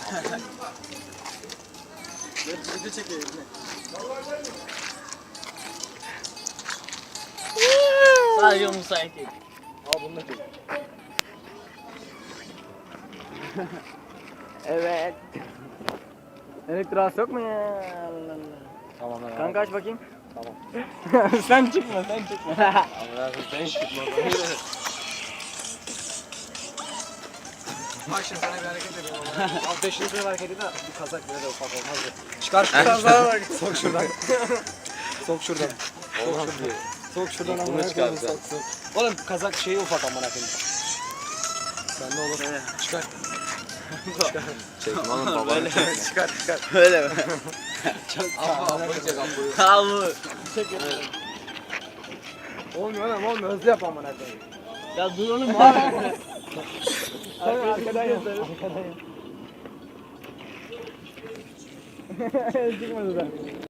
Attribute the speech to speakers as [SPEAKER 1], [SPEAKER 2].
[SPEAKER 1] Video çekiyor eline.
[SPEAKER 2] Sadece müsait değil.
[SPEAKER 1] Al bunu da çek.
[SPEAKER 2] Evet. Elektroğaz yok mu ya? Allah Allah.
[SPEAKER 1] Tamam lan.
[SPEAKER 2] Kanka aç bakayım.
[SPEAKER 1] Tamam.
[SPEAKER 2] Sen çıkma, sen çıkma.
[SPEAKER 1] Allah'ım sen çıkma. Bak şimdi sana bir hareket edeyim ama. Abi 5. bir hareket edin de bir kazak bile de ufak olmaz ya. Çıkar şu kazağa bak. Sok şuradan. Sok şuradan.
[SPEAKER 3] Olmaz diye.
[SPEAKER 1] Sok şuradan
[SPEAKER 3] Bunu
[SPEAKER 1] amına
[SPEAKER 3] çıkar
[SPEAKER 1] koyayım,
[SPEAKER 3] sen.
[SPEAKER 1] sok sok. Oğlum kazak şeyi ufak amına koyayım. Sen ne olur? Çıkar.
[SPEAKER 3] Çekme oğlum babanı çekme.
[SPEAKER 1] Çıkar çıkar.
[SPEAKER 2] Öyle mi?
[SPEAKER 1] Çok
[SPEAKER 3] Abla çek ablayı.
[SPEAKER 2] Tamam.
[SPEAKER 1] Olmuyor oğlum olmuyor. Hızlı yap amına koyayım.
[SPEAKER 2] Ya dur oğlum abi.
[SPEAKER 1] Sen arkadan yazarız. Arkadan yaz. Çıkmadı da.